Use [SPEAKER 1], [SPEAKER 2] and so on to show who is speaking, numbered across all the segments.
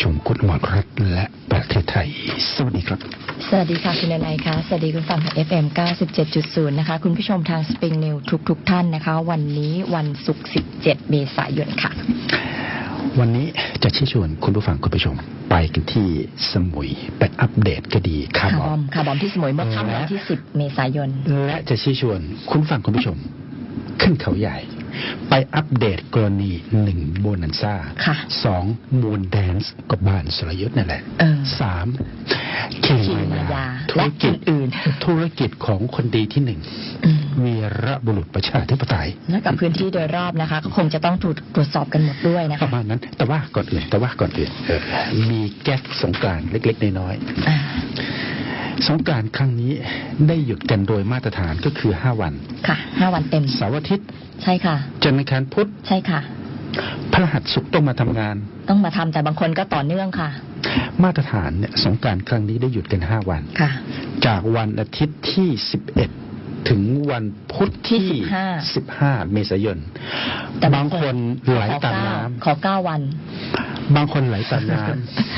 [SPEAKER 1] ชมคุณอมรรัตน์และประเทศไทยสวัสดีครับ
[SPEAKER 2] สวัสดีค่ะคุณนายค่ะสวัสดีคุณฟังทาง FM 97.0 นะคะคุณผู้ชมทาง Spring News ทุกท่านนะคะวันนี้วันศุกร์17 เมษายนค่ะ
[SPEAKER 1] วันนี้จะชี้ชวนคุณผู้ฟังคุณผู้ชมไปกันที่สมุยไปอัปเดตคดีคาร์บอม
[SPEAKER 2] ที่สมุยเมื่อค่ำวันที่10 เมษายน
[SPEAKER 1] และจะชี้ชวนคุณผู้ฟังคุณผู้ชมขึ้นเขาใหญ่ไปอัปเดตกรณี1โบนันซ่า2มูนแดนซ์กับบ้านสรยุทธ์นั่นแหละ3คิงมายาธุรกิจของคนดีที่1วีรบุรุษประชาธิปไตย
[SPEAKER 2] และกับพื้นที่โดยรอบนะคะก็คงจะต้องถูกตรวจสอบกันหมดด้วยนะคะ
[SPEAKER 1] ประมาณนั้นแต่ว่าก่อนอื่นมีแก๊สสงกรานต์เล็กๆน้อยๆสงกรานต์ครั้งนี้ได้หยุดกันโดยมาตรฐานก็คือ5วัน
[SPEAKER 2] ค่ะ5วันเต็ม
[SPEAKER 1] เสาร์อาทิตย์
[SPEAKER 2] ใช่ค่ะ
[SPEAKER 1] จันทร์อังคารพุธ
[SPEAKER 2] ใช่ค่ะ
[SPEAKER 1] พฤหัสศุกร์ต้องมาทำงาน
[SPEAKER 2] ต้องมาทำแต่บางคนก็ต่อเนื่องค่ะ
[SPEAKER 1] มาตรฐานเนี่ยสงกรานต์ครั้งนี้ได้หยุดกัน5วัน
[SPEAKER 2] ค่ะ
[SPEAKER 1] จากวันอาทิตย์ที่11ถึงวันพุธที่15เมษายนบางคนไหลตามน้ำ
[SPEAKER 2] ขอ9วัน
[SPEAKER 1] บางคนไหลตามน้ำ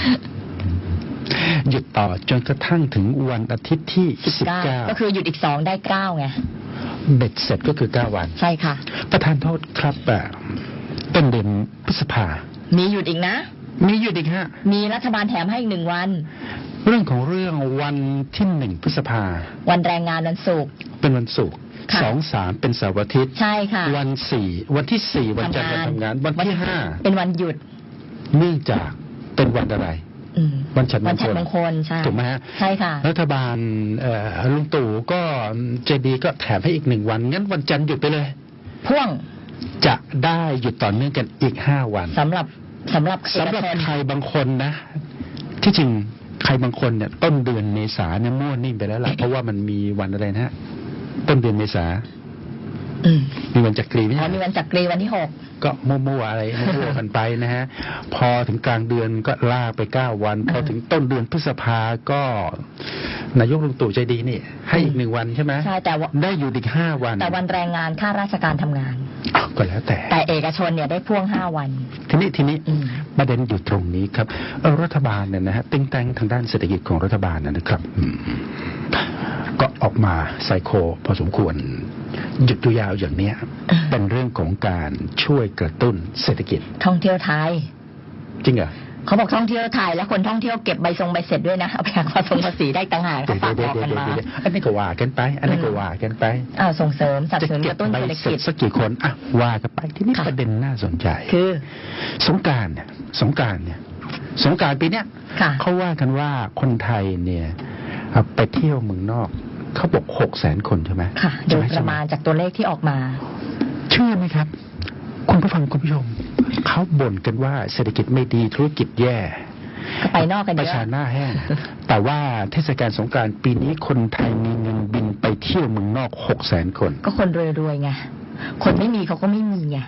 [SPEAKER 1] หยุดต่อจนกระทั่งถึงวันอาทิตย์ที่19
[SPEAKER 2] ก็คือหยุดอีก2ได้9ไง
[SPEAKER 1] เบ็ดเสร็จก็คือ9วัน
[SPEAKER 2] ใช่ค่ะ
[SPEAKER 1] ประธานโทษครับต้นเดือนพฤษภา
[SPEAKER 2] มีหยุดอีกนะ
[SPEAKER 1] มีหยุดอีกฮะ
[SPEAKER 2] มีรัฐบาลแถมให้อีก1วัน
[SPEAKER 1] เรื่องของเรื่องวันที่1พฤษภา
[SPEAKER 2] วันแรงงานวันศุกร์
[SPEAKER 1] เป็นวันศุกร์2 3เป็นเสาร์อาทิตย์
[SPEAKER 2] ใช่ค่ะ
[SPEAKER 1] วันที่4วันจันทร์วันทำงานวันที่5
[SPEAKER 2] เป็นวันหยุด
[SPEAKER 1] เนื่องจากเป็นวันอะไรวันฉัตรมงคล
[SPEAKER 2] ใช่
[SPEAKER 1] ถูกไหมฮะ
[SPEAKER 2] ใช่ค่ะ
[SPEAKER 1] รัฐบาลลุงตู่ก็ใจดีก็แถมให้อีก1วันงั้นวันจันทร์หยุดไปเลย
[SPEAKER 2] พ่วง
[SPEAKER 1] จะได้หยุดต่อเนื่องกันอีก5วัน
[SPEAKER 2] สำหรับ
[SPEAKER 1] ใครบางคนนะที่จริงใครบางคนเนี่ยต้นเดือนเมษาเนี่ยมั่วนิ่มไปแล้วล่ะ เพราะว่ามันมีวันอะไรนะฮะต้นเดือนเมษามีวันจักรีไหม
[SPEAKER 2] มีวันจักรีวันที่6
[SPEAKER 1] ก็มั่วๆอะไรมั่วกันไปนะฮะพอถึงกลางเดือนก็ลากไป9วันพอถึงต้นเดือนพฤษภาก็นายกลุงตู่ใจดีนี่ให้อีก1วันใช่ไหม
[SPEAKER 2] ใช่แต่
[SPEAKER 1] ได้อยู่อีก5วัน
[SPEAKER 2] แต่วันแรงงานข้าราชการทำงาน
[SPEAKER 1] ก็แล้วแต่
[SPEAKER 2] เอกชนเนี่ยได้พ่วง5วัน
[SPEAKER 1] ทีนี้ประเด็นอยู่ตรงนี้ครับรัฐบาลเนี่ยนะฮะติ้งแต่งทางด้านเศรษฐกิจของรัฐบาลนะครับก็ออกมาไซโคพอสมควรหยุดยาวอย่างนี้เป็นเรื่องของการช่วยกระตุ้นเศรษฐกิจ
[SPEAKER 2] ท่องเที่ยวไทย
[SPEAKER 1] จริงเหรอ
[SPEAKER 2] เขาบอกท่องเที่ยวไทยแล้วคนท่องเที่ยวเก็บใบเสร็จด้วยนะเอาไปหักภาษีได้ต่างหากเขาฝากบอกกันมา
[SPEAKER 1] อันนี้ก็ว่ากันไป
[SPEAKER 2] ส่งเสริมสนับสนุนกระตุ้นเศรษฐกิจ
[SPEAKER 1] สักกี่คนว่ากันไปที่นี่ประเด็นน่าสนใจ
[SPEAKER 2] คือ
[SPEAKER 1] สงกรานต์ปีเนี้ยเขาว่ากันว่าคนไทยเนี่ยไปเที่ยวเมืองนอกเขาบอก600,000 คนใช่ไหม
[SPEAKER 2] ค่ะโดยประมาณจากตัวเลขที่ออกมา
[SPEAKER 1] เชื่อไหมครับคุณผู้ฟังคุณผู้ชมเขาบ่นกันว่าเศรษฐกิจไม่ดีธุรกิจแย่
[SPEAKER 2] ก็ไปนอกกันเยอะ
[SPEAKER 1] ประชาหน้าแห้งแต่ว่าเทศกาลสงกรานต์ปีนี้คนไทยมีเงินบินไปเที่ยวเมืองนอก600,000 คน
[SPEAKER 2] ก็คนรวยๆไงคนไม่มีเขาก็ไม่มีไง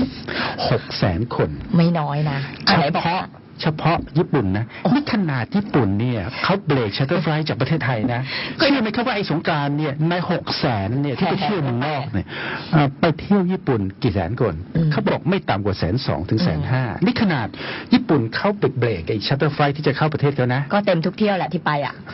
[SPEAKER 1] 600,000 คน
[SPEAKER 2] ไม่น้อยนะ
[SPEAKER 1] เฉพาะญี่ปุ่นนะนี่ขนาดญี่ปุ่นเนี่ยเขาเบรกชัตเตอร์ไฟล์จากประเทศไทยนะเชื่อไหมครับว่าไอ้สงกรานต์เนี่ยใน600,000เนี่ยที่ไปเที่ยวเมืองนอกเนี่ยไปเที่ยวญี่ปุ่นกี่แสนคนเขาบอกไม่ต่ำกว่า120,000 ถึง 150,000นี่ขนาดญี่ปุ่นเขาเบรกไอ้ชัตเตอร์ไฟล์ที่จะเข้าประเทศเขานะ
[SPEAKER 2] ก็เต็มทุกเที่ยวแหละที่ไป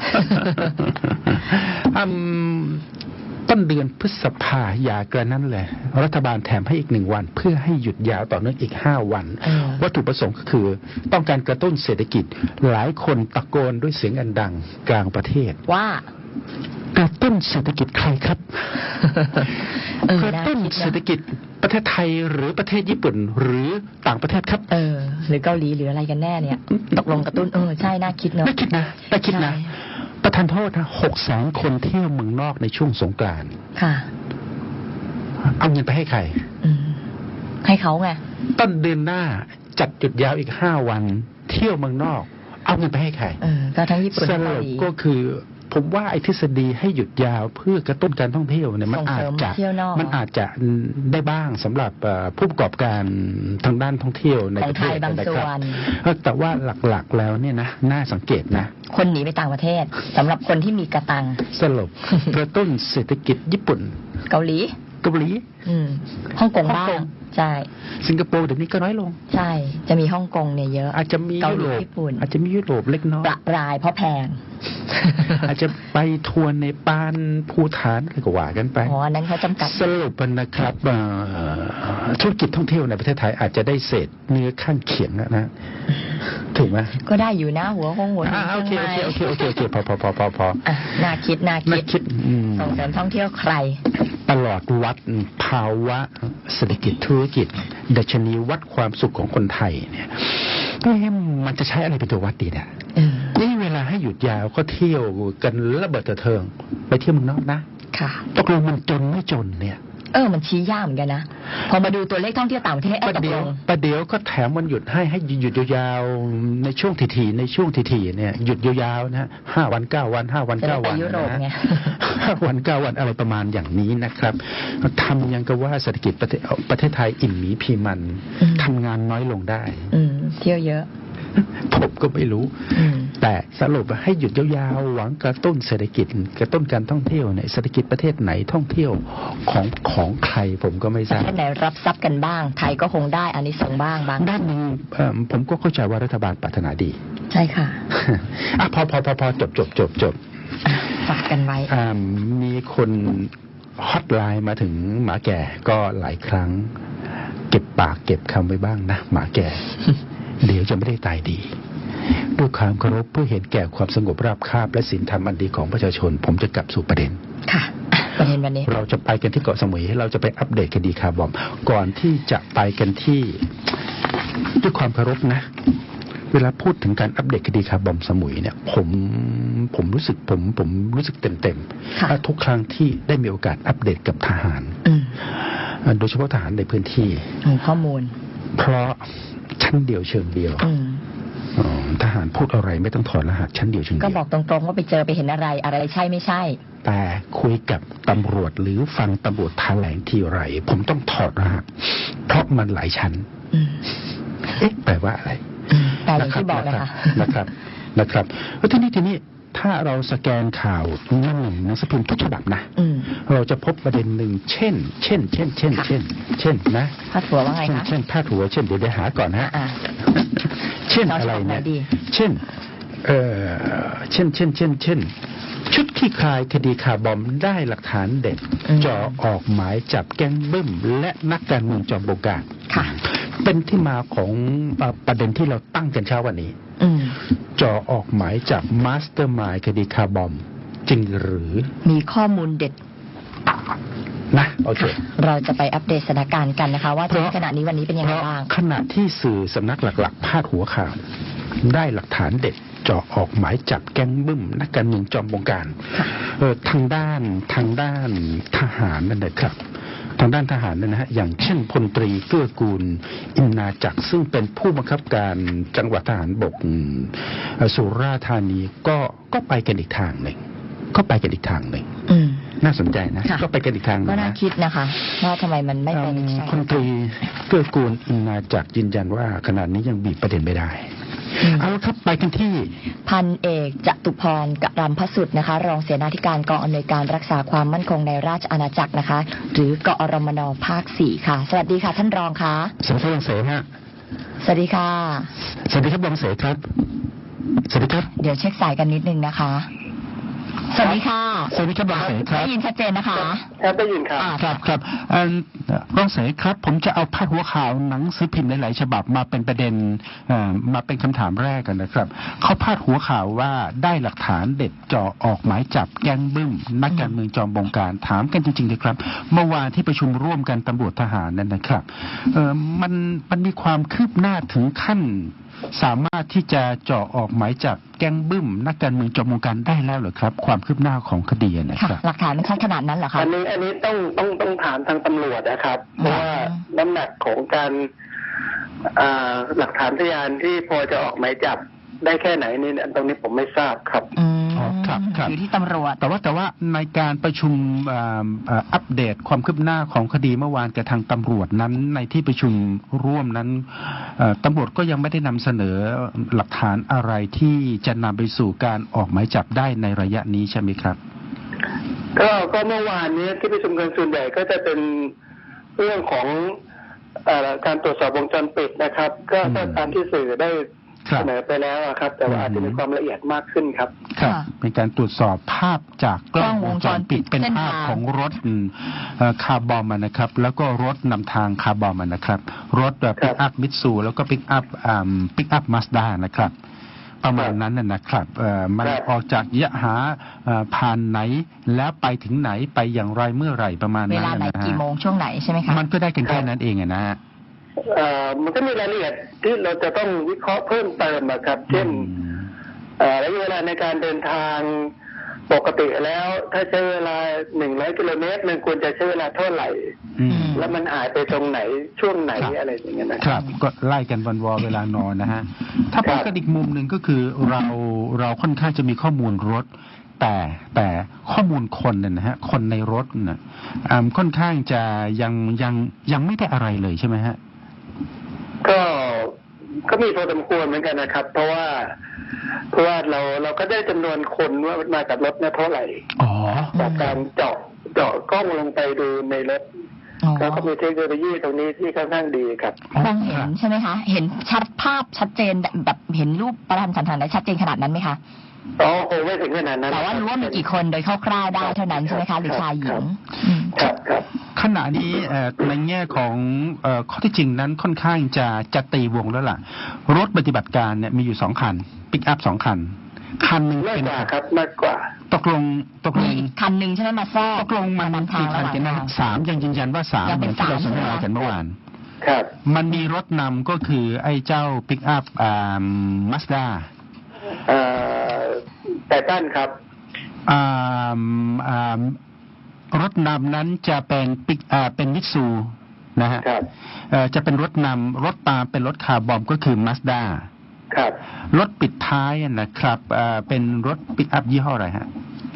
[SPEAKER 1] ต้นเดือนพฤษภาอย่ากระนั้นเลยรัฐบาลแถมให้อีก1วันเพื่อให้หยุดยาวต่อเนื่องอีก5วันวัตถุประสงค์ก็คือต้องการกระตุ้นเศรษฐกิจหลายคนตะโกนด้วยเสียงอันดังกลางประเทศ
[SPEAKER 2] ว่าก
[SPEAKER 1] ระตุ้นเศรษฐกิจใครครับกระตุ้นเศรษฐกิจประเทศไทยหรือประเทศญี่ปุ่นหรือต่างประเทศครับ
[SPEAKER 2] หรือเกาหลีหรืออะไรกันแน่เนี่ยตกลงกระตุ้นใช่น่าคิดเนอะ
[SPEAKER 1] น่าคิดนะประทานโทษนะ600,000 คนเที่ยวเมืองนอกในช่วงสงกรานต์
[SPEAKER 2] ค่ะ
[SPEAKER 1] เอาเงินไปให้ใคร
[SPEAKER 2] ให้เขาไง
[SPEAKER 1] ต้นเดือนหน้าจัดหยุดยาวอีก5วันเที่ยวเมืองนอกเอาเงินไปให้ใคร
[SPEAKER 2] ก็ทั้งญี่ปุ่น
[SPEAKER 1] สรุปก็คือผมว่าไอ้ทฤษฎีให้หยุดยาวเพื่อกระตุ้นการท่องเที่ยวเนี่ยมันอาจจะได้บ้างสำหรับผู้ประกอบการทางด้านท่องเที่ยวในประเทศ
[SPEAKER 2] นะครับ
[SPEAKER 1] แต่ว่าหลักๆแล้วเนี่ยนะน่าสังเกตนะ
[SPEAKER 2] คนหนีไปต่างประเทศสำหรับคนที่มีกระตัง
[SPEAKER 1] สรุปกระตุ้นเศรษฐกิจญี่ปุ่น
[SPEAKER 2] เกาหลีฮ่องกงบ้างใช่
[SPEAKER 1] สิงคโปร์เดี๋ยวนี้ก็น้อยลง
[SPEAKER 2] ใช่จะมีฮ่องกงเนี่ยเยอะ
[SPEAKER 1] อาจจะมี
[SPEAKER 2] เกา
[SPEAKER 1] ยุ
[SPEAKER 2] หลี
[SPEAKER 1] โรป
[SPEAKER 2] ญี่ปุ่น
[SPEAKER 1] อาจจะมียุโรปเล็กน้อย
[SPEAKER 2] ประปรายเพราะแพง
[SPEAKER 1] อาจจะไปทัวร์ในปานภูฐานอะไรก็ว่ากันไป
[SPEAKER 2] อ๋ออันนั้นเขาจำกัด
[SPEAKER 1] สรุปนะครับธุรกิจท่องเที่ยวในประเทศไทยอาจจะได้เศษเนื้อข้างเคียงนะถูกไหม
[SPEAKER 2] ก็ได้อยู่นะหัวหิน
[SPEAKER 1] โอเค
[SPEAKER 2] ชียงใหม่
[SPEAKER 1] โอเคพอ
[SPEAKER 2] อ่ะน่าคิด ส่งเสริมท่องเที่ยวใคร
[SPEAKER 1] ตลอดวัดภาวะเศรษฐกิจธุรกิจดัชนีวัดความสุขของคนไทยเนี่ยมันจะใช้อะไรเป็นตัววัดดีเนี่ยนี่เวลาให้หยุดยาวก็เที่ยวกันระเบิดเถิงไปเที่ยวเมืองนอกนะ
[SPEAKER 2] ค่ะ
[SPEAKER 1] ตกลงมันจนไม่จนเนี่ย
[SPEAKER 2] มันชี้ยากเหมือนกันนะพอมาดูตัวเลขท่องเที่ยวต่างประเทศตกลง
[SPEAKER 1] ประเดี๋ยวก็แถมวันหยุดให้หยุดยาวๆในช่วงทีๆในช่วงทีๆเนี่ยหยุดยาวๆนะ5 วัน 9 วัน5 วัน 9 วัน
[SPEAKER 2] ยุโรปไง
[SPEAKER 1] 5 วัน 9 วันอะไรประมาณอย่างนี้นะครับทำยังกับว่าเศรษฐกิจประเทศไทยอิ่มหมีพีมันทำงานน้อยลงได้
[SPEAKER 2] เที่ยวเยอะ
[SPEAKER 1] ผมก็ไม่รู้แต่สรุปให้หยุดยาวๆหวังกระตุ้นเศรษฐกิจกระตุ้นการท่องเที่ยวเนี่ยเศรษฐกิจประเทศไหนท่องเที่ยวของใครผมก็ไม่ทราบ
[SPEAKER 2] ประเทศไหนรับทรัพย์กันบ้างไทยก็คงได้อันนี้ส่งบ้าง
[SPEAKER 1] ด้านหนึ่งผมก็เข้าใจว่ารัฐบาลปรารถนาดี
[SPEAKER 2] ใช่ค่ะ
[SPEAKER 1] พอจบ
[SPEAKER 2] ฝากกันไว้
[SPEAKER 1] มีคนฮอตไลน์มาถึงหมาแก่ก็หลายครั้งเก็บปากเก็บคำไว้บ้างนะหมาแก่เดี๋ยวจะไม่ได้ตายดีด้วยความเคารพเพื่อเห็นแก่ความสงบราบคาบและศีลธรรมอันดีของประชาชนผมจะกลับสู่ประเด็น
[SPEAKER 2] ค่ะประเด็นวันนี้
[SPEAKER 1] เราจะไปกันที่เกาะสมุยเราจะไปอัปเดตคดีคาร์บอมก่อนที่จะไปกันที่ด้วยความเคารพนะเวลาพูดถึงการอัปเดตคดีคาร์บอมสมุยเนี่ยผมรู้สึกผมรู้สึกเต็มทุกครั้งที่ได้มีโอกาสอัปเดตกับทหารโดยเฉพาะทหารในพื้นที่
[SPEAKER 2] ข้อมูล
[SPEAKER 1] เพราะชั้นเดียวเชิงเดียวทหารพูดอะไรไม่ต้องถอดรหัสชั้นเดียวเชิงเดียว
[SPEAKER 2] ก็บอกตรงๆว่าไปเจอไปเห็นอะไรใช่ไม่ใช่
[SPEAKER 1] แต่คุยกับตำรวจหรือฟังตำรวจแถลงทีไรผมต้องถอดรหัสเพราะมันหลายชั้นแปลว่าอะไร
[SPEAKER 2] แต่อย่างที่บอกเลยค่ะ
[SPEAKER 1] นะครับแล้วทีนี้ถ้าเราสแกนข่าวหนังสือพิมพ์ทุกฉบับนะเราจะพบประเด็นหนึ่งเช่นนะ
[SPEAKER 2] พาดหัวว่าไงคะ
[SPEAKER 1] เช่นพาดหัวเช่นเดี๋ยวหาก่อนนะเช่นอะไรเนี่ยเช่นชุดคลี่คลายคดีคาร์บอมได้หลักฐานเด็ดจ่อออกหมายจับแก๊งบึ้มและนักการเมืองจอมบงการเป็นที่มาของประเด็นที่เราตั้งกันเช้าวันนี้จ่อออกหมายจับมาสเตอร์มายด์คดีคาร์บอมจริงหรือ
[SPEAKER 2] มีข้อมูลเด็ด
[SPEAKER 1] นะโอเค
[SPEAKER 2] เราจะไปอัปเดตสถานการณ์กันนะคะว่าถึงขณะนี้วันนี้เป็นยังไงบ้าง
[SPEAKER 1] ขณะที่สื่อสำนักหลักๆพาดหัวข่าวได้หลักฐานเด็ดจ่อออกหมายจับแก๊งบึ้มนักการเมืองจอมบงการทางด้านทหารนั่นแหละครับทางด้านทหารนะฮะอย่างเช่นพลตรีเกื้อกูลอินนาจักรซึ่งเป็นผู้บังคับการจังหวัดทหารบกสุราษฎร์ธานีก็ไปกันอีกทางหนึ่งน่าสนใจนะก็ไปกันอีกทาง
[SPEAKER 2] ก็น่าคิดนะคะว่าทำไมมันไม่ไป
[SPEAKER 1] พลตรีเกื้อกูลอินนาจักรยืนยันว่าขณะนี้ยังบีบประเด็นไม่ได้เอาละครับไปกันที่
[SPEAKER 2] พันเอกจตุพรกรำพสุดนะคะรองเสนาธิการกองอำนวยการรักษาความมั่นคงในราชอาณาจักรนะคะหรือกอรมนภาค 4ค่ะสวัสดีค่ะท่านรองค่ะ
[SPEAKER 1] สวัสดีรองเสฮะ
[SPEAKER 2] สวัสดีค่ะ
[SPEAKER 1] สวัสดีครับรองเสครับสวัสดีครับ
[SPEAKER 2] เดี๋ยวเช็คสายกันนิดนึงนะคะสวัสดีค่ะ
[SPEAKER 1] สวัสดีครับรองเสครับ
[SPEAKER 2] ได้ยินชัดเจนนะคะ
[SPEAKER 3] ครับได้ยินครับ
[SPEAKER 1] ครับรองเสครับผมจะเอาพาดหัวข่าวหนังสือพิมพ์หลายๆฉบับมาเป็นประเด็นมาเป็นคำถามแรกกันนะครับเขาพาดหัวข่าวว่าได้หลักฐานเด็ดจ่อออกหมายจับแก๊งบึ้มนักการเมืองจอมบงการถามกันจริงๆเลยครับเมื่อวานที่ประชุมร่วมกันตำรวจทหารนั่นนะครับมันมีความคืบหน้าถึงขั้นสามารถที่จะจ่อออกหมายจับแก๊งบึ้มนักการเมืองจอมบงการได้แล้วเหรอครับความคืบหน้าของคดีนะครับ
[SPEAKER 2] หลักฐานมันชัดขนาดนั้นเหรอครับ
[SPEAKER 3] อันนี้ต้องถามทางตำรวจนะครับเพราะว่าน้ำหนักของการหลักฐานพยานที่พอจะออกหมายจับได้แค่ไหนนี่ตรงนี้ผมไม่ทราบครับ
[SPEAKER 2] ครับอยู่ที่ตำรวจ
[SPEAKER 1] แต่ว่าในการประชุมอัปเดตความคืบหน้าของคดีเมื่อวานกับทางตำรวจนั้นในที่ประชุมร่วมนั้นตำรวจก็ยังไม่ได้นำเสนอหลักฐานอะไรที่จะนำไปสู่การออกหมายจับได้ในระยะนี้ใช่ไหมครับ
[SPEAKER 3] ก็เมื่อวานนี้ที่ประชุมกันส่วนใหญ่ก็จะเป็นเรื่องของการตรวจสอบวงจรปิดนะครับ ก็ตามที่สื่อได้เสนอไปแล้วครับ แต่ว่าอาจจะมีความละเอียดมากขึ้นครับ
[SPEAKER 1] ครับเป็นการตรวจสอบภาพจากกล้องวงจรปิดเป็นภาพของรถคาร์บอมนะครับ แล้วก็รถนำทางคาร์บอมนะครับ รถปิกอัพมิตซูแล้วก็ปิกอัพมาสด้านะครับ ประมาณนั้นนะครับมันออกจากยะหาผ่านไหนแล้วไปถึงไหนไปอย่างไรเมื่อไหร่ประมาณนั้น
[SPEAKER 2] เวลาไหน
[SPEAKER 1] นะฮะ
[SPEAKER 2] กี่โมงช่วงไหนใช่ไหมคะ
[SPEAKER 1] มันก็ได้กันแค่นั้นเองนะฮะ
[SPEAKER 3] มันก็มีรายละเอียดที่เราจะต้องวิเคราะห์เพิ่มเติมนะครับ เช่นระยะเวลาในการเดินทางปกติแล้วถ้าใช้เวลา100 กิโลเมตรมันควรจะใช้เวลาเท่าไหร่แล้วมันหายไปตรงไหนช่วงไหนอะไรอย่างเงี้ยนะครับ
[SPEAKER 1] ก็ไล่กันวันวอเวลานอนนะฮะถ้าพูดกันอีกมุมหนึ่งก็คือเราค่อนข้างจะมีข้อมูลรถแต่ข้อมูลคนเนี่ยนะฮะคนในรถน่ะค่อนข้างจะยังไม่ได้อะไรเลยใช่ไหมฮะ
[SPEAKER 3] ก็มีพอสมควรเหมือนกันนะครับ เพราะว่าเราก็ได้จำนวนคนว่ามากับรถเนี่ยเท่าไหร่จากการเจาะกล้องลงไปดูในรถแล้วก็มีเทคโนโลยีตรงนี้ที่ค่อนข้างดีครับ
[SPEAKER 2] มองเห็นใช่ไหมคะเห็นภาพชัดเจนแบบเห็นรูปประทับสันฐานได้ชัดเจนขนาดนั้นไหมคะ
[SPEAKER 3] โอ้ไม่ถึงขนาดนั้น
[SPEAKER 2] แต่ว่ารู้ว่ามีกี่คนโดยคร่าวๆได้เท่านั้นใช่ไหมคะหรือชายหญิง
[SPEAKER 3] ครับ
[SPEAKER 1] ขณะนี้ในแง่ของข้อที่จริงนั้นค่อนข้างจะตีวงแล้วล่ะรถปฏิบัติการเนี่ยมีอยู่2 คันปิกอัพ2 คันหนึ่งเป็น
[SPEAKER 3] ครับมากกว่า
[SPEAKER 1] ตกลง
[SPEAKER 2] มีอีกคันหนึ่งใช่ไหมมาแทรก
[SPEAKER 1] ตกลงมันกี่คันกันนะ3ยังยืนยันว่า3อย่างที่เราสนทนากันเมื่อวาน
[SPEAKER 3] ครับ
[SPEAKER 1] มันมีรถนำก็คือไอ้เจ้าปิกอัพมาสด้า
[SPEAKER 3] แต่ด้านครับ
[SPEAKER 1] รถนำนั้นจะเป็นเป็นมิตซูนะฮะจะเป็นรถนำรถตามเป็นรถคาร์บอมก็คือมาสด้า
[SPEAKER 3] ครับ
[SPEAKER 1] รถปิดท้ายนะครับเป็นรถปิกอัพยี่ห้ออะไรฮะ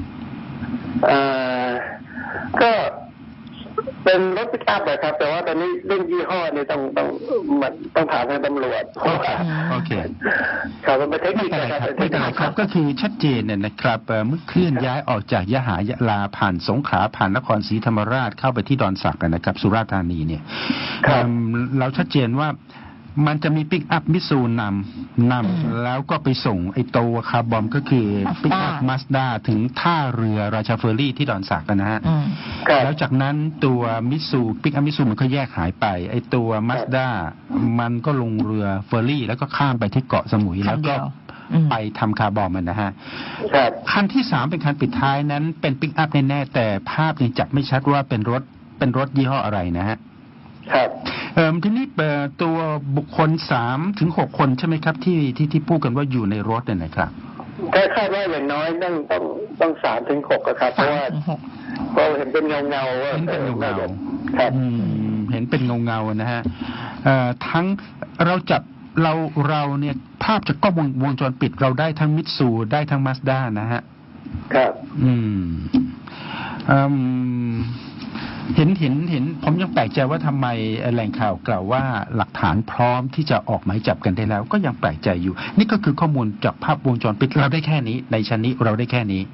[SPEAKER 3] ก็เป็นรถปิกอัพนะครับแต่ว่าตอนนี้เรื่องยี่ห้อนี่ต้องถามทางตำรวจ
[SPEAKER 1] โอเค
[SPEAKER 3] ครับมันเป็นเทคนิค
[SPEAKER 1] นะครับไม่เป็นไรครับก็คือชัดเจนเนี่ยนะครับเมื่อเคลื่อนย้ายออกจากยะลาผ่านสงขลาผ่านนครศรีธรรมราชเข้าไปที่ดอนสักนะครับสุราษฎร์ธานีเนี่ยเราชัดเจนว่ามันจะมีปิกอัพมิตซูนำแล้วก็ไปส่งไอ้ตัวคาร์บอมก็คือปิกอัพมาสด้าถึงท่าเรือราชาเฟอร์รี่ที่ดอนสักนะฮะแล้วจากนั้นตัวมิตซูปิกอัพมิตซูมันก็แยกหายไปไอ้ตัวมาสด้ามันก็ลงเรือเฟอร์รี่แล้วก็ข้ามไปที่เกาะสมุยแล้วก็ไปทำคาร์บอมนะฮะคันที่3เป็นคันปิดท้ายนั้นเป็นปิกอัพแน่ๆแต่ภาพยังจับไม่ชัดว่าเป็นรถยี่ห้ออะไรนะฮะ
[SPEAKER 3] ครับ
[SPEAKER 1] ทีนี้ตัวบุคคล3 ถึง 6 คนใช่ไหมครับที่พูดกันว่าอยู่ในรถเนี่ยนะครับ
[SPEAKER 3] ก็คาดว่าอย่างน้อยต้อง3 ถึง 6ครับเพราะว่าเห็นเป็นเงา
[SPEAKER 1] เห็นเป็นเงา
[SPEAKER 3] ครับ
[SPEAKER 1] เห็นเป็นเงานะฮะทั้งเราเนี่ยภาพจากกล้องวงจรปิดเราได้ทั้งมิตซูได้ทั้งมาสด้านะฮะ
[SPEAKER 3] ครับ
[SPEAKER 1] เห็นผมยังแปลกใจว่าทำไมแหล่งข่าวกล่าวว่าหลักฐานพร้อมที่จะออกหมายจับกันได้แล้วก็ยังแปลกใจอยู่นี่ก็คือข้อมูลจากภาพวงจรปิดเราได้แค่นี้ในชั้นนี้เราได้แค่นี้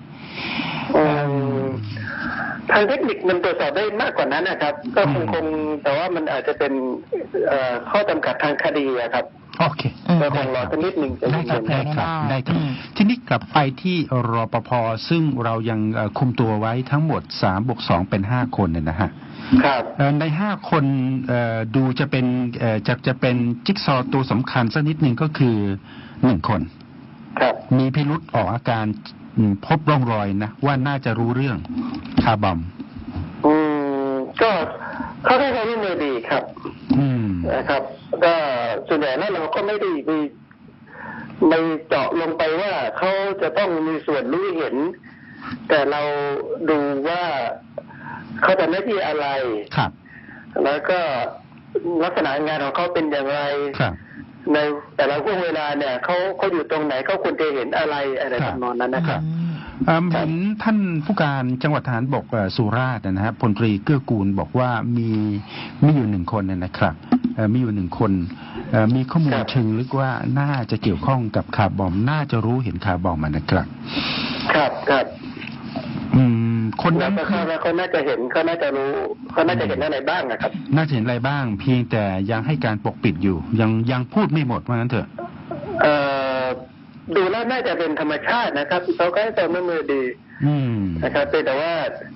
[SPEAKER 3] ทางเทคนิคมันตรวจสอบได้มากกว่านั้นนะครับก็คงแต่ว่ามันอาจจะเป็นข้อจำกัดทางคดีครับ
[SPEAKER 1] โอเค
[SPEAKER 3] ก็คงรอสักนิดหนึ่ง
[SPEAKER 1] ได้ครับทีนี้กลับไปที่รปภ.ซึ่งเรายังคุมตัวไว้ทั้งหมด3+2เป็น5 คนเนี่ยนะฮะ
[SPEAKER 3] ครับ
[SPEAKER 1] ใน5 คนดูจะเป็นจิ๊กซอว์ตัวสำคัญสักนิดหนึ่งก็คือ1 คน
[SPEAKER 3] ครับ
[SPEAKER 1] มีพิรุธออกอาการพบร่องรอยนะว่าน่าจะรู้เรื่องคาร์บอม
[SPEAKER 3] ก็เขาได้ความร่วมมือดีครับนะครับก็ส่วนใหญ่แล้วเราก็ไม่ได้ไปเจาะลงไปว่าเขาจะต้องมีส่วนรู้เห็นแต่เราดูว่าเขาทำหน้าที่อะไร
[SPEAKER 1] ครับ
[SPEAKER 3] แล้วก็ลักษณะงานของเขาเป็นอย่างไรในแต่ละช่วงเวลาเนี่ยเขาอยู่ตรงไหนเขาควรจะเห็นอะไรทำนองนั้นนะครับ
[SPEAKER 1] เห็นท่านผู้การจังหวัดทหารบกสุราษฎร์นะฮะพลตรีเกื้อกูลบอกว่ามีอยู่1 คนนะครับมีอยู่1 คนมีข้อมูลเชิงลึกว่าน่าจะเกี่ยวข้องกับคาร์บอมน่าจะรู้เห็นคาร์บอมนะครับ
[SPEAKER 3] ครับ
[SPEAKER 1] คนนั้
[SPEAKER 3] แล้ว
[SPEAKER 1] น
[SPEAKER 3] ก็คาดว่าเขาน่าจะเห็นเขาน่าจะรู้เขาน่าจะเห็นอะไรบ้างนะครับ
[SPEAKER 1] น่าจะเห็นอะไรบ้าง เพียงแต่ยังให้การปกปิดอยู่ ยังพูดไม่หมดว่างั้นเถอะ
[SPEAKER 3] ดูแล้วน่าจะเป็นธรรมชาตินะครับเขาก็ให้ความร่วมมือดี นะครับแต่ว่า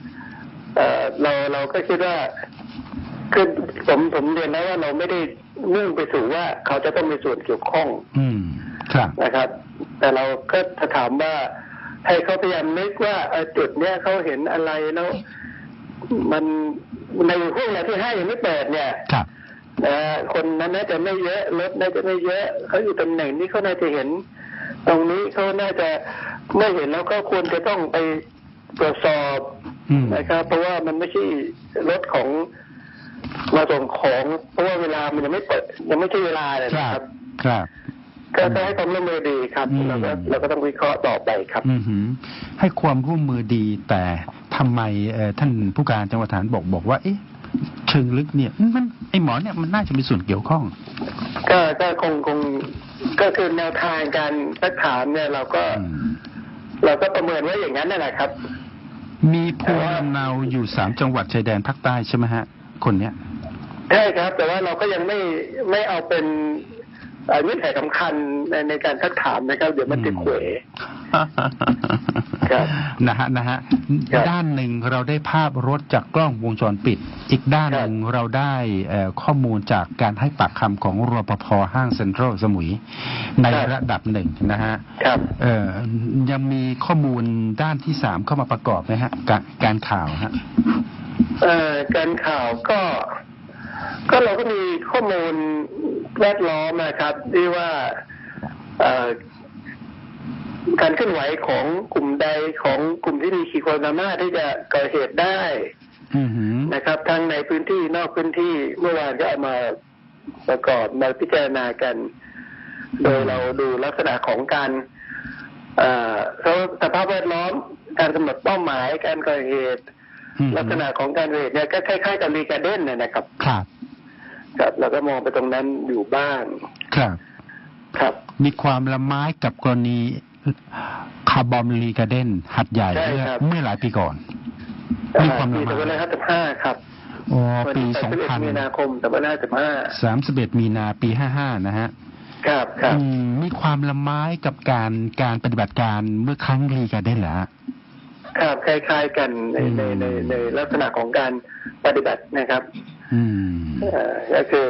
[SPEAKER 3] เราก็คิดว่าคือผมเรียนแล้วว่าเราไม่ได้มุ่งไปสู่ว่าเขาจะต้องมีส่วนเกี่ยวข้อง
[SPEAKER 1] ครับ
[SPEAKER 3] นะครับ แต่เราก็ถามว่าให้เขาพยายามนึกว่าจุดเนี้ยเขาเห็นอะไรแล้วมันในห้องที่5ยังไม่เปิดเนี่ยคนนั้นน่าจะไม่เยอะรถน่าจะไม่เยอะเขาอยู่ตำแหน่งนี้เขาน่าจะเห็นตรงนี้เขาน่าจะไม่เห็นแล้วก็ควรจะต้องไปตรวจสอบนะครับเพราะว่ามันไม่ใช่รถของมาส่งของเพราะว่าเวลามันยังไม่เปิดยังไม่ใช่เวลาเลยนะครับก็จะให้ความร่วมมือดีครับเราก็ต้องวิเคราะห์ต่อไปครับ
[SPEAKER 1] ให้ความร่วมมือดีแต่ทำไมท่านผู้การจังหวัดฐานบอกว่าเชิงลึกเนี่ยมันไอหมอเนี่ยมันน่าจะมีส่วนเกี่ยวข้อง
[SPEAKER 3] ก็คงก็คือแนวทางการสักถามเนี่ยเราก็ประเมินไว้อย่างนั้นนั่นแหละครับ
[SPEAKER 1] มีภูมิลำเนาอยู่3 จังหวัดชายแดนภาคใต้ใช่ไหมฮะคนเนี้ย
[SPEAKER 3] ใช่ครับแต่ว่าเราก็ยังไม่เอาเป็นเงื่อนไขสำคัญในการสักถามนะครับเดี๋ยวมันติดเขว
[SPEAKER 1] นะฮะด้านหนึ่งเราได้ภาพรถจากกล้องวงจรปิดอีกด้านหนึ่งเราได้ข้อมูลจากการให้ปากคำของรปภ.ห้างเซ็นทรัลสมุยในระดับหนึ่งนะฮะยังมีข้อมูลด้านที่3เข้ามาประกอบไหมฮะการข่าวฮะ
[SPEAKER 3] การข่าวก็เราก็มีข้อมูลแวดล้อมนะครับที่ว่าการเคลื่อนไหวของกลุ่มใดของกลุ่มที่มีขีดความสามารถที่จะก่อเหตุได้นะครับทั้งในพื้นที่นอกพื้นที่เมื่อวานก็เอามาประกอบมาพิจารณากันโดยเราดูลักษณะของการสภาพแวดล้อมการกำหนดเป้าหมายการก่อเหตุลักษณะของการก่อเหตุเนี่ยก็คล้ายๆกับรีการ์เด้นนะครับครับเราก็มองไปตรงนั้นอยู่บ้างครับ
[SPEAKER 1] มีความละไม้กับกรณีคาร์บอมรีการ์เด้นหัดใหญ่เมื่อหลายปีก่อน
[SPEAKER 3] มีความละไม้ปี2555ครับ
[SPEAKER 1] ปี2000
[SPEAKER 3] มีนาคม
[SPEAKER 1] 31มีนาปี55นะฮะ
[SPEAKER 3] ครับ
[SPEAKER 1] มีความละไม้กับการปฏิบัติการเมื่อครั้งรีการ์เด้นเหรอ
[SPEAKER 3] ครับคล้ายๆกันในลักษณะของการปฏิบัตินะครับก็คือ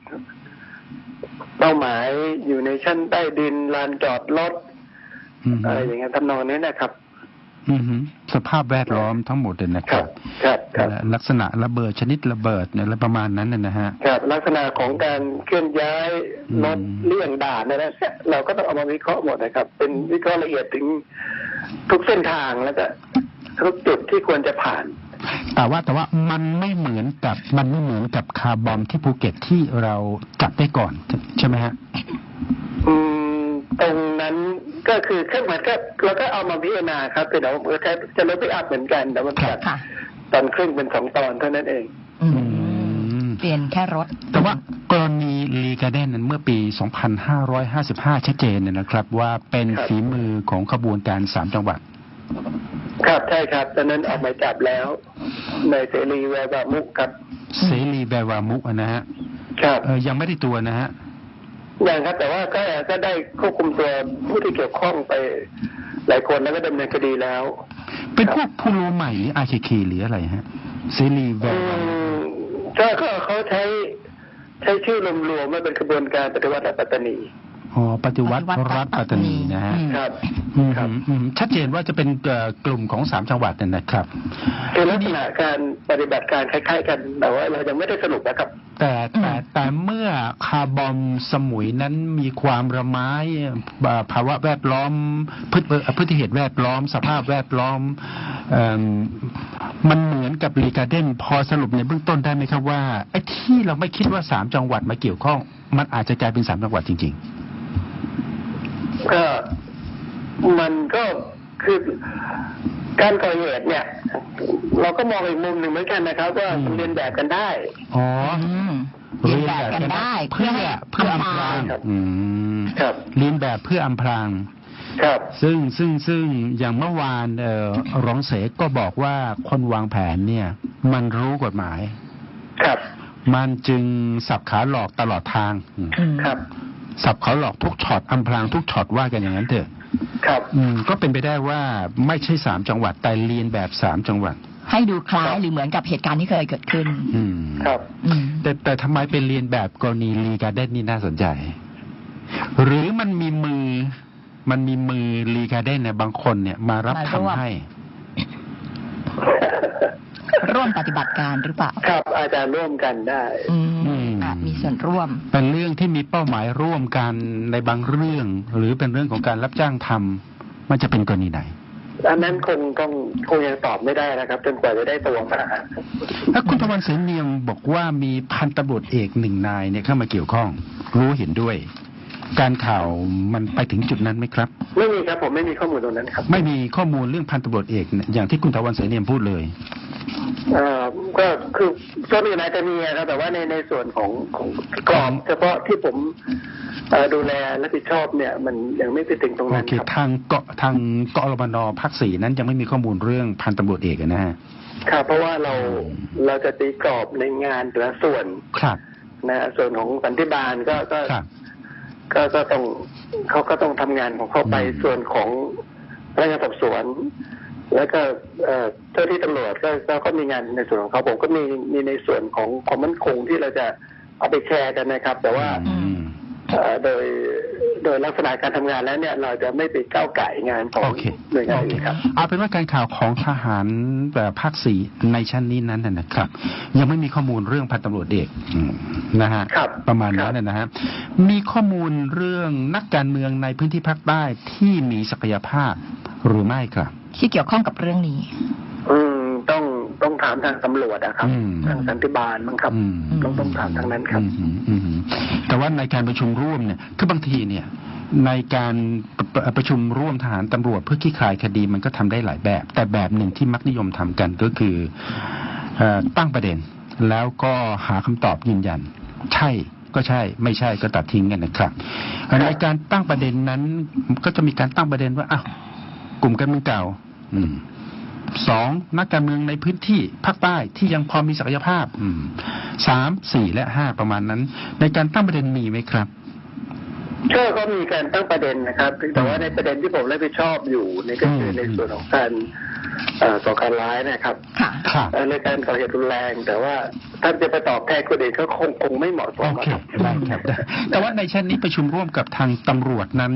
[SPEAKER 3] เป้าหมายอยู่ในชั้นใต้ดินลานจอดรถอะไรอย่างเงี้ยทำนองนี้นะครับ
[SPEAKER 1] สภาพแวดล้อมทั้งหมดเลยนะครับลักษณะระเบิดชนิดระเบิดเนี่ยประมาณนั้นนะฮะ
[SPEAKER 3] ครับลักษณะของการเคลื่อนย้ายรถเลี่ยงด่านนะเราก็ต้องเอามาวิเคราะห์หมดนะครับเป็นวิเคราะห์ละเอียดถึงทุกเส้นทางแล้วก็ทุกจุดที่ควรจะผ่าน
[SPEAKER 1] แต่ว่ามันไม่เหมือนกับคาร์บอมที่ภูเก็ตที่เราจับได้ก่อนใช่ไหมฮะ
[SPEAKER 3] ตรงนั้นก็คือเครื่องหมายก็เราก็เอามาพิจารณาครับแต่เดี๋ยวจะลดไปอัพเหมือนกันแต่มันจัดตอนครึ่งเป็น2 ตอนเท่านั้นเอง
[SPEAKER 2] เปลี่ยนแค่รถ
[SPEAKER 1] แต่ว่ากรณีรีการ์เด้นนั้นเมื่อปี 2555 ชัดเจนนะครับว่าเป็นฝีมือของขบวนการ3 จังหวัด
[SPEAKER 3] ครับใช่ครับตอนนั้นออกหมายจับแล้วในเสรีแววามุกครับ
[SPEAKER 1] เสรีแววามุกนะฮะ
[SPEAKER 3] ครับ
[SPEAKER 1] ยังไม่ได้ตัวนะฮะ
[SPEAKER 3] ยังครับแต่ว่าก็ได้ควบคุมตัวผู้ที่เกี่ยวข้องไปหลายคนแล้วก็ดำเนินคดีแล้ว
[SPEAKER 1] เป็นพวกผู้รู้ใหม่หรือ RKK หรืออะไรฮะเสรีแววามุ
[SPEAKER 3] กก็เขาใช้ชื่อรวมๆว่าเป็นกระบวนการปฏิวัติรัฐปัตตานี
[SPEAKER 1] ปฏิวัติรัฐปัตตานีนะฮะ
[SPEAKER 3] ครับ
[SPEAKER 1] ชัดเจนว่าจะเป็นกลุ่มของ3 จังหวัดนั่นนะครับ
[SPEAKER 3] คือลักษณะการปฏิบัติการคล้ายๆกันแต่ว่าเรายังไม่ได้สรุปนะครับ
[SPEAKER 1] แต่เมื่อคาร์บอมสมุยนั้นมีความระไม้ภาวะแวดล้อมพฤติเหตุแวดล้อมสภาพแวดล้อมมันเหมือนกับรีการ์เด้นพอสรุปในเบื้องต้นได้ไหมครับว่าไอ้ที่เราไม่คิดว่า3 จังหวัดมาเกี่ยวข้องมันอาจจะกลายเป็น3 จังหวัดจริงๆ
[SPEAKER 3] ก็มันก็คือการก่อเหตุเนี่ยเราก็มองอีกมุมหนึ่งเหมือนกันนะครับว่ามันเรียนแบบกันได้
[SPEAKER 2] เรียนแบบกันได้เพื่ออำพราง
[SPEAKER 1] เรียนแบบเพื่ออำพราง
[SPEAKER 3] ครับ
[SPEAKER 1] ซึ่งอย่างเมื่อวานรองเสกก็บอกว่าคนวางแผนเนี่ยมันรู้กฎหมาย
[SPEAKER 3] ครับ
[SPEAKER 1] มันจึงสับขาหลอกตลอดทาง
[SPEAKER 3] ครับ
[SPEAKER 1] สับขาหลอกทุกช็อตอำพรางทุกช็อตว่ากันอย่างนั้นเถอะ
[SPEAKER 3] ครับ
[SPEAKER 1] ก็เป็นไปได้ว่าไม่ใช่3 จังหวัดแต่เรียนแบบ3 จังหวัด
[SPEAKER 2] ให้ดูคล้ายหรือเหมือนกับเหตุการณ์ที่เคยเกิดขึ้น
[SPEAKER 3] ครับ
[SPEAKER 2] อืม
[SPEAKER 1] แต่ทำไมเป็นเรียนแบบกรณีลีการ์เด้นนี่น่าสนใจ หรือมันมีมือลีการ์เด้นเนี่ยบางคนเนี่ยมารับ
[SPEAKER 2] มาร่วม
[SPEAKER 1] ทำให้
[SPEAKER 2] ร่วมปฏิบัติการหรือเปล่า
[SPEAKER 3] ครับอาจารย์ร่วมกันได้
[SPEAKER 2] มีส่วนร่วม
[SPEAKER 1] เป็นเรื่องที่มีเป้าหมายร่วมกันในบางเรื่อง หรือเป็นเรื่องของการรับจ้างทำมันจะเป็นกรณีไหน
[SPEAKER 3] อันนั้นคงยังตอบไม่ได้นะครับจนกว่าจะได้ตัวมา
[SPEAKER 1] ถ้าคุณตะวันเสนเนียมบอกว่ามีพันตำรวจเอก1 นายเนี่ยเข้ามาเกี่ยวข้อง รู้เห็นด้วย การข่าวมันไปถึงจุดนั้นไหมครับ
[SPEAKER 3] ไม่มีครับผมไม่มีข้อมูลตรงนั้นครับ
[SPEAKER 1] ไม่มีข้อมูลเรื่องพันตำรวจเอกเนี่ยอย่างที่คุณตะวันเสนเนียมพูดเลย
[SPEAKER 3] ก็คือก็มีนายจะมีนะครับแต่ว่าในส่วนของกรอบเฉพาะที่ผมดูแลรับผิดชอบเนี่ย มันยังไม่ไปถึงตรง
[SPEAKER 1] โอ
[SPEAKER 3] นั้น
[SPEAKER 1] เค
[SPEAKER 3] ครับ
[SPEAKER 1] ทางกรมน.ภาค 4นั้นยังไม่มีข้อมูลเรื่องพันตำรวจเอกนะฮะ
[SPEAKER 3] ครับเพราะว่าเราจะตีกรอบในงานแต่ละส่วน
[SPEAKER 1] ครับ
[SPEAKER 3] นะส่วนของสันติบาลก็ต้องเขาก็ต้องทำงานของเขาไปส่วนของพนักงานสอบสวน แล้วก็เจ้าที่ตำรวจก็มีงานในส่วนของเขาผมก็มีในส่วนของความมั่นคงที่เราจะเอาไปแชร์กันนะครับ แต่ว่าโดยลักษณะการทำงานแล้วเนี่ย เราจะไม่ไปก้าวไก่งานของหน่วยงานอื่นครับ
[SPEAKER 1] เอาเป็นว่าการข่าวของทหารภาค 4ในชั้นนี้นั้นนะครับ ยังไม่มีข้อมูลเรื่องพันตำรวจเอกนะฮะประมาณนั้นนะฮะมีข้อมูลเรื่องนักการเมืองในพื้นที่ภาคใต้ที่มีศักยภาพหรือไม่ครับ
[SPEAKER 2] ที่เกี่ยวข้องกับเรื่องนี้
[SPEAKER 3] ต้องถามทางตำรวจนะครับทางสันติบาลมั้งครับต้องถามทางนั้นครับ
[SPEAKER 1] แต่ว่าในการประชุมร่วมเนี่ยคือบางทีเนี่ยในการประชุมร่วมทหารตำรวจเพื่อขี้คายคดีมันก็ทำได้หลายแบบ แต่แบบหนึ่งที่มักนิยมทำกันก็คือตั้งประเด็นแล้วก็หาคำตอบยืนยันใช่ก็ใช่ไม่ใช่ก็ตัดทิ้งกันนะครับในการตั้งประเด็นนั้นก็จะมีการตั้งประเด็นว่าอ้าวกลุ่มการเมืองเก่า2 นักการเมืองในพื้นที่ภาคใต้ที่ยังพอมีศักยภาพ3 4 และ 5ประมาณนั้นในการตั้งประเด็นมีไหมครับ
[SPEAKER 3] ก็มีการตั้งประเด็นนะครับแต่ว่าในประเด็นที่ผมรับผิดชอบอยู่ในก็คือในส่วนของการก่อการร้ายนะครับในการก่อเหตุรุนแรงแต่ว่าท่านจะไปตอบแทนคนอื่นก็คงไม่เหมาะสมครับ
[SPEAKER 1] แต่ว่าในชั้นนี้ประชุมร่วมกับทางตำรวจนั้น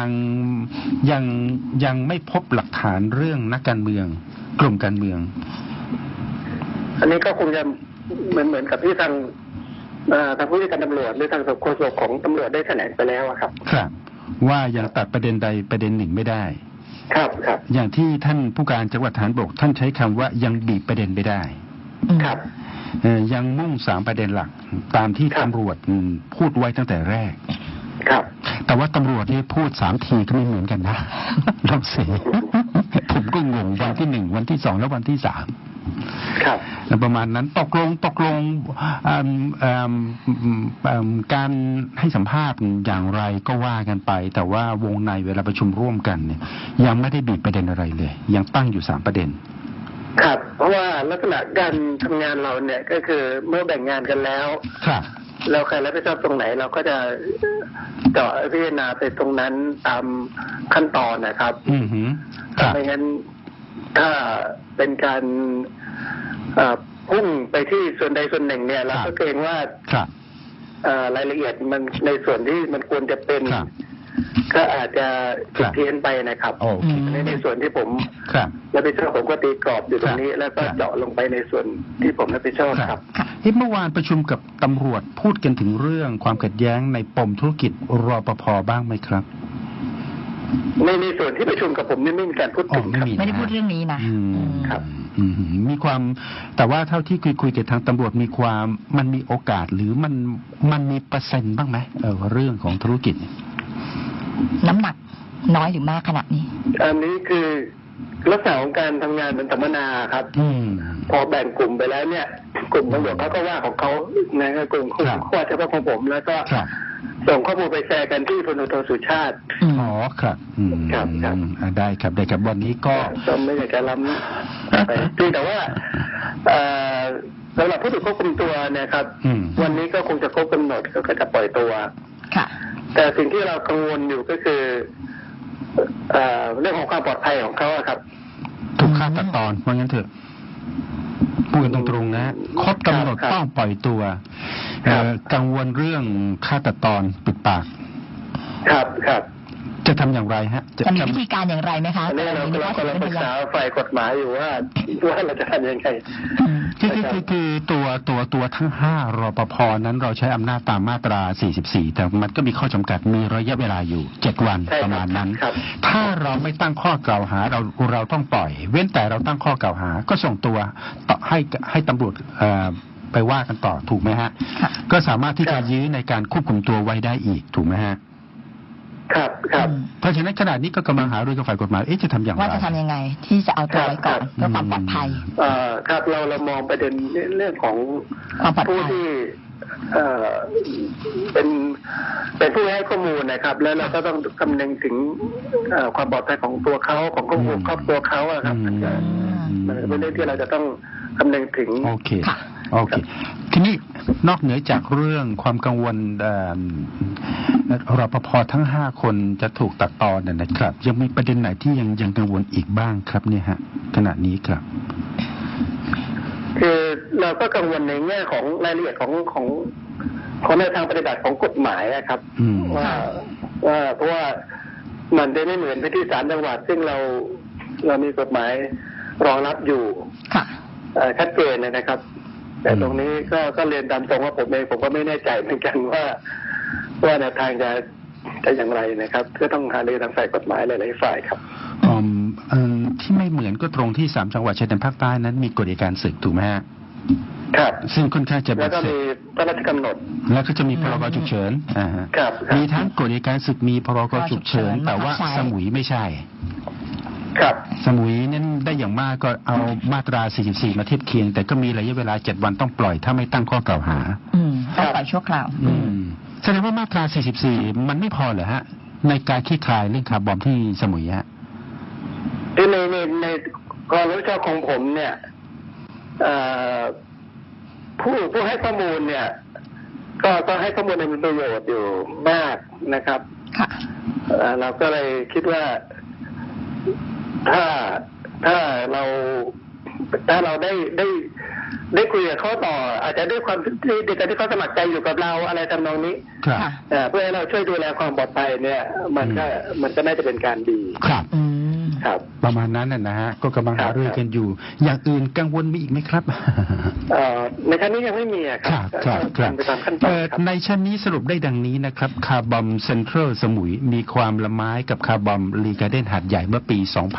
[SPEAKER 1] ยังไม่พบหลักฐานเรื่องนักการเมืองกลุ่มการเมือง
[SPEAKER 3] อันนี้ก็คงจะเหมือนกับที่ทางผู้ที่การตำรวจหรือทางโฆษกของตำรวจได้แถลงไปแล้วครับ
[SPEAKER 1] ครับว่ายังตัดประเด็นใดประเด็นหนึ่งไม่ได้
[SPEAKER 3] ครับ
[SPEAKER 1] อย่างที่ท่านผู้การจังหวัดฐานบกท่านใช้คำว่ายังบีบประเด็นไม่ได้
[SPEAKER 3] ครับ
[SPEAKER 1] ยังมุ่ง3 ประเด็นหลักตามที่ตำรวจพูดไว้ตั้งแต่แรก
[SPEAKER 3] ครับ
[SPEAKER 1] แต่ว่าตำรวจนี่พูด3 ทีก็ไม่เหมือนกันนะลองสิผมก็งงวันที่1วันที่2แล้ววันที่3
[SPEAKER 3] ครับ
[SPEAKER 1] ประมาณนั้นตกลงการให้สัมภาษณ์อย่างไรก็ว่ากันไปแต่ว่าวงในเวลาประชุมร่วมกันเนี่ยยังไม่ได้บีบประเด็นอะไรเลยยังตั้งอยู่3 ประเด็น
[SPEAKER 3] ครับเพราะว่าลักษณะการทำงานเราเนี่ยก็คือเมื่อแบ่งงานกันแล้วเราใครรับผิดชอบตรงไหนเราก็จะเจาะพิจารณาไปตรงนั้นตามขั้นตอนนะครับไม่งั้นถ้าเป็นการพุ่งไปที่ส่วนใดส่วนหนึ่งเนี่ยเราก็เกรงว่ารายละเอียดมันในส่วนที่มันควรจะเป็นก็อาจจะผิดเพี้ยนไปนะครับในส่วนที่ผมรับผิดชอบผมก็ตีกรอบอยู่ตรงนี้แล้วก็เจาะลงไปในส่วนที่ผมรับผิดชอบครับ
[SPEAKER 1] เมื่อวานประชุมกับตำรวจพูดกันถึงเรื่องความขัดแย้งในปมธุรกิจรปภ.บ้างไหมครับ
[SPEAKER 3] ในส่วนที่ประชุมกับผมไม่มีการพูดถึง
[SPEAKER 2] ไม่ได้พูดเรื่องนี้นะครับ
[SPEAKER 1] มีความแต่ว่าเท่าที่คุยกับทางตำรวจมันมีโอกาสหรือมันมีเปอร์เซ็นต์บ้างไหมเรื่องของธุรกิจ
[SPEAKER 2] น้ำหนักน้อยหรือมากขนาดนี้
[SPEAKER 3] อันนี้คือลักษณะของการทำงานเป็นสัมมนาครับพอแบ่งกลุ่มไปแล้วเนี่ยกลุ่มตำรวจเขาก็ว่าของเขานะกลุ่มว่าเฉพาะของผมแล้วก็ส่งข้อมูลไปแชร์กันที่พลโทสุชาติ
[SPEAKER 1] อ๋อครับ
[SPEAKER 3] ครับ
[SPEAKER 1] ได้ครับวันนี้ก็
[SPEAKER 3] ไม่อยากจะล้ำไปแต่ว่าสำหรับผู้ถูกควบคุมตัวเนี่ยครับวันนี้ก็คงจะครบกำหนดก็จะปล่อยตัว
[SPEAKER 2] ค่ะ
[SPEAKER 3] แต่สิ่งที่เรากังวลอยู่ก็คือเรื่องของความปลอดภัยของเขาครับ
[SPEAKER 1] ถูกฆ่าตัดตอนว่างั้นเถอะพูดกันตรงๆนะครบกำหนดต้องปล่อยตัวกังวลเรื่องฆ่าตัดตอนปิดปาก
[SPEAKER 3] ครับ
[SPEAKER 1] จะทำอย่างไรฮะ
[SPEAKER 2] จะมีวิธีการอย่างไรไหมคะ
[SPEAKER 3] อันนี้เรากำลังปรึกษาฝ่ายกฎหมายอยู่ว่าเราจะทำยังไง
[SPEAKER 1] คือตัวทั้ง5รปภนั้นเราใช้อำนาจตามมาตรา44แต่มันก็มีข้อจำกัดมีระยะเวลาอยู่7วันประมาณนั้นถ้าเราไม่ตั้งข้อกล่าวหาเราต้องปล่อยเว้นแต่เราตั้งข้อกล่าวหาก็ส่งตัวต่อให้ตำรวจไปว่ากันต่อถูกไหมฮะก็สามารถที่จะยื้อในการควบคุมตัวไว้ได้อีกถูกไหมฮะ
[SPEAKER 3] ครับ
[SPEAKER 1] เพราะฉะนั้นขณะนี้ก็กำลังหารือกับฝ่ายกฎหมายจะทำอย่างไร
[SPEAKER 2] ว่าจะทำยังไงที่จะเอาตัวไว้ก่อนเพื่อความปลอดภัย
[SPEAKER 3] ครับเรามองประเด็นเรื่องของผู้ที่เป็นผู้ให้ข้อมูลนะครับแล้วเราก็ต้องคำนึงถึงความปลอดภัยของตัวเขาของครอบครัวเขาครับมันเป็นเรื่องที่เราจะต้องคำนึงถึง
[SPEAKER 1] โอเคทีนี้นอกเหนือจากเรื่องความกังวลรปภทั้ง5คนจะถูกตัดตอนนะครับยังมีประเด็นไหนที่ยังกังวลอีกบ้างครับเนี่ยฮะขณะนี้ครับ
[SPEAKER 3] คือเราก็กังวลในแง่ของรายละเอียดของแนวทางปฏิบัติของกฎหมายนะครับว่าเพราะว่ามันจะไม่เหมือนที่3จังหวัดซึ่งเรามีกฎหมายรองรับอยู่ชัดเจนนะครับแต่ตรงนี้ก็เรียนตามตรงว่าผมก็ไม่แน่ใจเหมือนกันว่าแนวทางจะอย่างไรนะครับก็ต้องหารือทางฝ่ายกฎหมายหลายๆฝ่ายครับ
[SPEAKER 1] ที่ไม่เหมือนก็ตรงที่3จังหวัดชายแดนภาคใต้นั้นมีกฎอัยการศึกถูกไหมฮะ
[SPEAKER 3] ครับ
[SPEAKER 1] ซึ่งค่อนข้างจะ
[SPEAKER 3] แล้วก็มีพระราชกำหนด
[SPEAKER 1] แล้วก็จะมีพรกฉุกเฉินมีทั้งกฎอัยการศึกมีพรกฉุกเฉินแต่ว่าสมุยไม่ใช่
[SPEAKER 3] ครับ
[SPEAKER 1] สมุยนั้นได้อย่างมากก็เอามาตรา44มาเทียบเคียงแต่ก็มีระยะเวลา7วันต้องปล่อยถ้าไม่ตั้งข้อกล่าวหา
[SPEAKER 2] ต้องปล่อยชั่วคราว
[SPEAKER 1] แสดงว่ามาตรา44มันไม่พอเหรอฮะในการคลี่คลายเรื่องคาร์บอมที่สมุยฮะ
[SPEAKER 3] ในความรู้ชอบของผมเนี่ยผู้ให้ข้อมูลเนี่ยก็ให้ข้อมูลในประโยชน์อยู่มากนะครับเราก็เลยคิดว่าถ้าเราได้คุยกับเขาต่ออาจจะด้วยความที่เขาสมัครใจอยู่กับเราอะไรทำนองนี้เพื่อให้เราช่วยดูแลความปลอดภัยเนี่ยมันก็น่าจะเป็นการดี
[SPEAKER 1] ครับประมาณนั้นนะฮะก็กำลังหารือกันอยู่อย่างอื่นกังวลมีอีกไหมครับ
[SPEAKER 3] ในชั้นนี้ยังไม่มี
[SPEAKER 1] ครับในชั้นนี้สรุปได้ดังนี้นะครับคาร์บอมเซ็นทรัลสมุยมีความละไม้กับคาร์บอมรีการ์เด้นหาดใหญ่เมื่อปี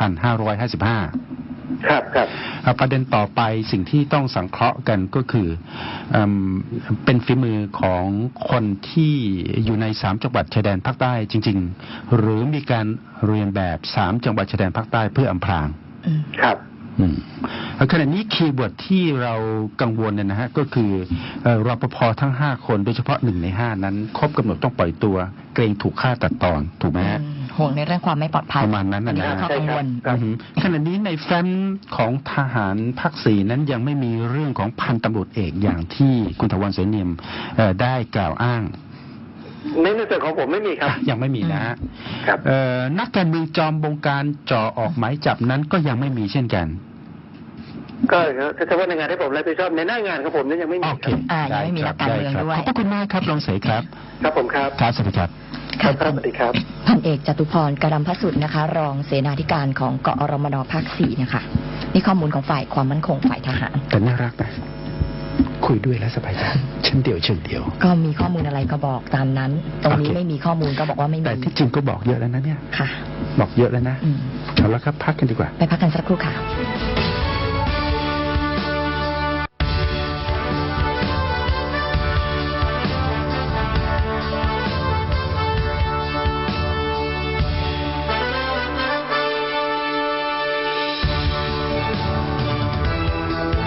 [SPEAKER 1] 2555
[SPEAKER 3] ครับ
[SPEAKER 1] ประเด็นต่อไปสิ่งที่ต้องสังเคราะห์กันก็คือเป็นฝีมือของคนที่อยู่ใน3จังหวัดชายแดนภาคใต้จริงๆหรือมีการเรียนแบบ3จังหวัดชายแดนภาคใต้เพื่ออำพราง
[SPEAKER 3] ครับ
[SPEAKER 1] ขณะนี้คีย์เวิร์ดที่เรากังวลเนี่ยนะฮะก็คือรปภทั้ง5คนโดยเฉพาะ1ใน5นั้นครบกำหนดต้องปล่อยตัวเกรงถูกฆ่าตัดตอนถูกไหมฮะ
[SPEAKER 2] ห่วงในเรื่องความไม่ปลอดภัย
[SPEAKER 1] ประมาณนั้นนะ
[SPEAKER 2] ฮะกังวล
[SPEAKER 1] ขณะนี้ในแฟ้มของทหารภาค4นั้นยังไม่มีเรื่องของพันตำรวจเอกอย่างที่คุณถาวร เสนเนียมได้กล่าวอ้าง
[SPEAKER 3] ในส่วนของผมไม่มีครับ
[SPEAKER 1] ยังไม่มีนะครับนักการเมืองจอมบงการจ่อออกหมายจับนั้นก็ยังไม่มีเช่นกัน
[SPEAKER 3] ก็เฉพาะในงานที่ผมรับผิดชอบในหน้างานของผมนั้นยังไม่มี
[SPEAKER 2] ครับยังไม่มีนักการเมืองด้วย
[SPEAKER 1] ขอบคุณมากครับรองเสยครับ
[SPEAKER 3] ครับผมครับ
[SPEAKER 1] ครับสวัสดีครับ
[SPEAKER 3] ครับสวัสดีครับ
[SPEAKER 2] พันเอกจตุพร กรำพสุทธิ์นะคะรองเสนาธิการของกอรมนภาค4นะคะนี่ข้อมูลของฝ่ายความมั่นคงฝ่ายทหาร
[SPEAKER 1] แต่น่ารักนะคุยด้วยแล้วสบายใจเช่นเดียว
[SPEAKER 2] ก็มีข้อมูลอะไรก็บอกตามนั้นตรงนี้ไม่มีข้อมูลก็บอกว่าไม่มี
[SPEAKER 1] แต่ที่จริงก็บอกเยอะแล้วนะเนี่ย
[SPEAKER 2] ค่ะ
[SPEAKER 1] บอกเยอะแล้วนะเอาละครับพักกันดีกว่า
[SPEAKER 2] ไปพักกันสักครู่ค่ะ